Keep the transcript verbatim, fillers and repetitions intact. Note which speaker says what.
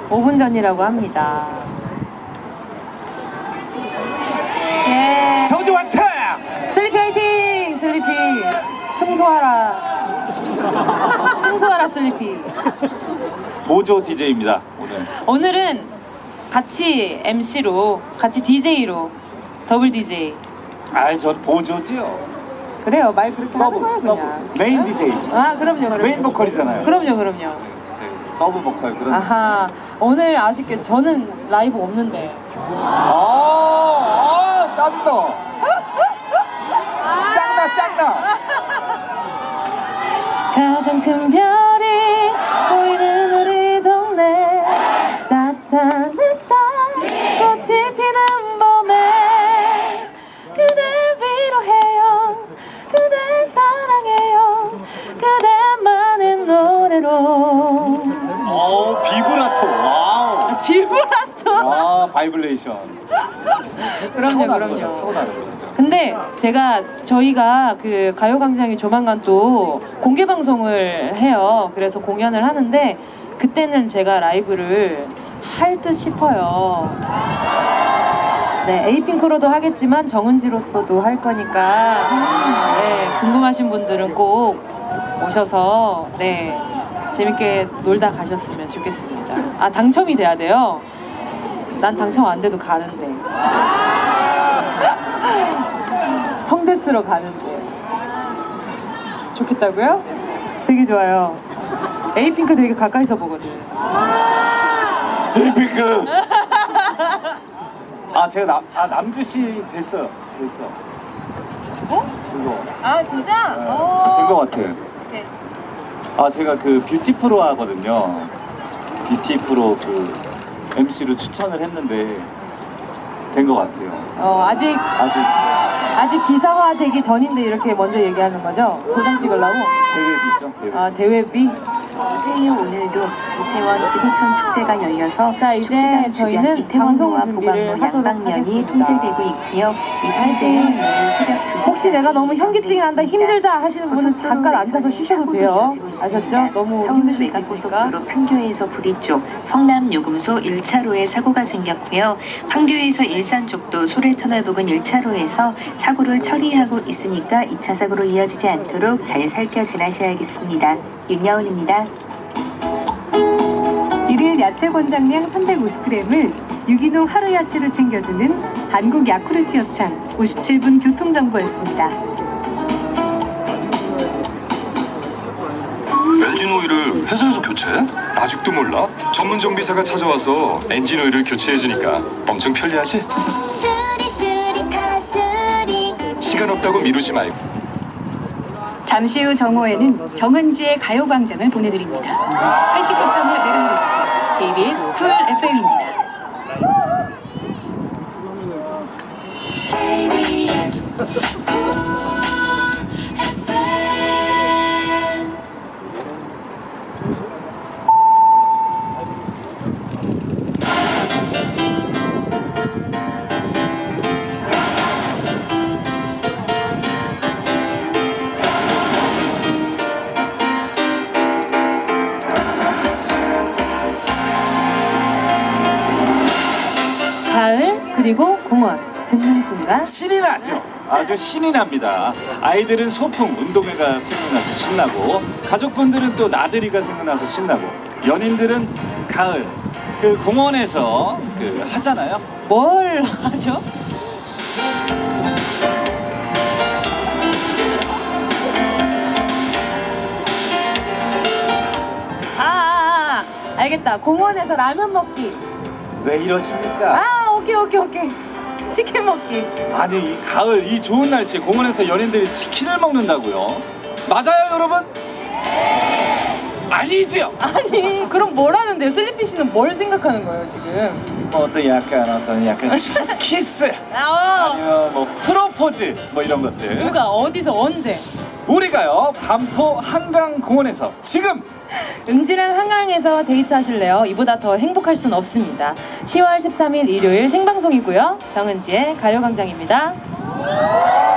Speaker 1: 오 분 전이라고 합니다. 예.
Speaker 2: 저주 왔다!
Speaker 1: 슬리피 화이팅! 슬리피 승소하라. 승소하라 슬리피.
Speaker 2: 보조 디제이입니다 오늘.
Speaker 1: 오늘은 같이 엠씨로 같이 디제이로 더블 디제이.
Speaker 2: 아이 전 보조지요.
Speaker 1: 그래요, 말 그렇게
Speaker 2: 서브,
Speaker 1: 하는 거야
Speaker 2: 서브.
Speaker 1: 그냥.
Speaker 2: 메인 디제이.
Speaker 1: 아 그럼요, 그럼요.
Speaker 2: 메인 보컬이잖아요.
Speaker 1: 그럼요, 그럼요.
Speaker 2: 제 서브 보컬 그런.
Speaker 1: 아하, 오늘 아쉽게 저는 라이브 없는데.
Speaker 2: 아, 아 짜증나. 짱나 짱나.
Speaker 1: 가장 큰 별이 보이는 우리 동네, 따뜻한 햇살 꽃이 피는 봄에 그댈 위로해요, 그댈 사랑해요, 그대만의 노래로.
Speaker 2: 어 비브라토. 와우.
Speaker 1: 비브라토.
Speaker 2: 아 바이블레이션.
Speaker 1: 그럼요,
Speaker 2: 타고나는 거죠,
Speaker 1: 그럼요.
Speaker 2: 타고나는 거죠.
Speaker 1: 근데 제가 저희가 그 가요광장이 조만간 또 공개 방송을 해요. 그래서 공연을 하는데 그때는 제가 라이브를 할 듯 싶어요. 네, 에이핑크로도 하겠지만 정은지로서도 할 거니까 네, 궁금하신 분들은 꼭 오셔서 네 재밌게 놀다 가셨으면 좋겠습니다. 아 당첨이 돼야 돼요? 난 당첨 안 돼도 가는데. 성대 쓰러 가는데. 좋겠다고요? 되게 좋아요. 에이핑크 되게 가까이서 보거든.
Speaker 2: 에이핑크. 아 제가 남, 아 남주 씨 됐어요. 됐어.
Speaker 1: 어?
Speaker 2: 그거.
Speaker 1: 아 진짜?
Speaker 2: 네, 된거 같아요.
Speaker 1: 네.
Speaker 2: 아 제가 그 뷰티 프로 하거든요. 뷰티 프로 그 엠씨로 추천을 했는데 된 거 같아요.
Speaker 1: 어 아직
Speaker 2: 아직
Speaker 1: 아직 기사화 되기 전인데 이렇게 먼저 얘기하는 거죠? 도장 찍으려고?
Speaker 2: 대회비죠. 대회.
Speaker 1: 아 대회비?
Speaker 3: 오세요. 오늘도 이태원 지구촌 축제가 열려서
Speaker 1: 자, 이제
Speaker 3: 축제장 주변
Speaker 1: 저희는 방송
Speaker 3: 이태원로와
Speaker 1: 준비를
Speaker 3: 보강로
Speaker 1: 하도록
Speaker 3: 양방면이
Speaker 1: 하겠습니다.
Speaker 3: 통제되고 있고요. 이 통제는 내일 새벽 두 시까지
Speaker 1: 혹시 내가 너무 현기증이 난다, 힘들다 하시는 분은
Speaker 3: 고속도로
Speaker 1: 잠깐 앉아서
Speaker 3: 내에서는
Speaker 1: 쉬셔도
Speaker 3: 사고도
Speaker 1: 돼요.
Speaker 3: 이어지고 있습니다.
Speaker 1: 아셨죠? 너무
Speaker 3: 서울
Speaker 1: 힘드실 수 있으니까.
Speaker 3: 외곽고속도로 판교에서 부리 쪽 성남 요금소 일 차로에 사고가 생겼고요. 판교에서 일산 쪽도 소래터널 부근 일 차로에서 사고를 처리하고 있으니까 이 차 사고로 이어지지 않도록 잘 살펴 지나셔야겠습니다. 윤여은입니다.
Speaker 4: 일일 야채 권장량 삼백오십 그램을 유기농 하루 야채로 챙겨주는 한국 야쿠르트 협찬 오십칠 분 교통정보였습니다.
Speaker 5: 엔진 오일을 회사에서 교체? 아직도 몰라? 전문 정비사가 찾아와서 엔진 오일을 교체해주니까 엄청 편리하지? 시간 없다고 미루지 말고.
Speaker 6: 잠시 후 정오에는 정은지의 가요광장을 보내드립니다. 팔십구 점 일 메가헤르츠 케이비에스 쿨 에프엠입니다.
Speaker 1: 가을 그리고 공원 듣는 순간
Speaker 2: 신이 나죠. 아주 신이 납니다. 아이들은 소풍, 운동회가 생각나서 신나고, 가족분들은 또 나들이가 생각나서 신나고, 연인들은 가을 그 공원에서 그 하잖아요.
Speaker 1: 뭘 하죠? 아, 아, 아 알겠다. 공원에서 라면 먹기.
Speaker 2: 왜 이러십니까?
Speaker 1: 아 오케이 오케이 오케이. 치킨 먹기.
Speaker 2: 아니 이 가을 이 좋은 날씨에 공원에서 연인들이 치킨을 먹는다고요? 맞아요 여러분? 아니죠?
Speaker 1: 아니 그럼 뭘 하는데요? 슬리피 씨는 뭘 생각하는 거예요 지금?
Speaker 2: 어떤 약간 어떤 약간 키스
Speaker 1: 아,
Speaker 2: 아니면 뭐 프로포즈 뭐 이런 것들.
Speaker 1: 누가 어디서 언제?
Speaker 2: 우리가요 반포 한강공원에서 지금
Speaker 1: 음질한 한강에서 데이트하실래요? 이보다 더 행복할 순 없습니다. 시월 십삼일 일요일 생방송이고요. 정은지의 가요광장입니다.